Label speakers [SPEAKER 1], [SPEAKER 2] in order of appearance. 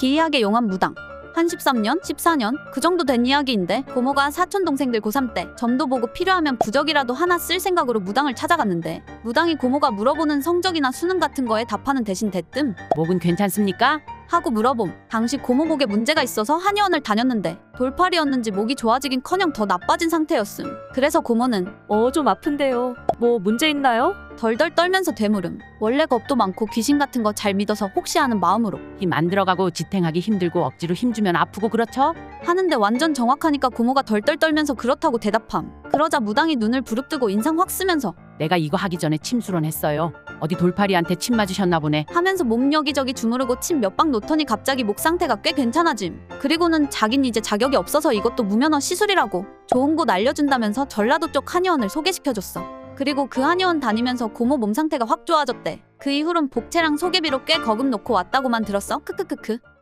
[SPEAKER 1] 기이하게 용한 무당. 한 13년? 14년? 그 정도 된 이야기인데 고모가 사촌 동생들 고3 때 점도 보고 필요하면 부적이라도 하나 쓸 생각으로 무당을 찾아갔는데 무당이 고모가 물어보는 성적이나 수능 같은 거에 답하는 대신 대뜸
[SPEAKER 2] 목은 괜찮습니까?
[SPEAKER 1] 하고 물어봄. 당시 고모 목에 문제가 있어서 한의원을 다녔는데 돌팔이었는지 목이 좋아지긴커녕 더 나빠진 상태였음. 그래서 고모는
[SPEAKER 3] 좀 아픈데요. 뭐 문제 있나요?
[SPEAKER 1] 덜덜 떨면서 되물음. 원래 겁도 많고 귀신 같은 거 잘 믿어서 혹시 하는 마음으로
[SPEAKER 2] 힘 안 들어가고 지탱하기 힘들고 억지로 힘주면 아프고 그렇죠?
[SPEAKER 1] 하는데 완전 정확하니까 고모가 덜덜 떨면서 그렇다고 대답함. 그러자 무당이 눈을 부릅뜨고 인상 확 쓰면서
[SPEAKER 2] 내가 이거 하기 전에 침수론 했어요. 어디 돌팔이한테 침 맞으셨나 보네.
[SPEAKER 1] 하면서 몸 여기저기 주무르고 침 몇 방 놓더니 갑자기 목 상태가 꽤 괜찮아짐. 그리고는 자긴 이제 자격이 없어서 이것도 무면허 시술이라고 좋은 곳 알려준다면서 전라도 쪽 한의원을 소개시켜줬어. 그리고 그 한의원 다니면서 고모 몸 상태가 확 좋아졌대. 그 이후론 복채랑 소개비로 꽤 거금 놓고 왔다고만 들었어. 크크크크.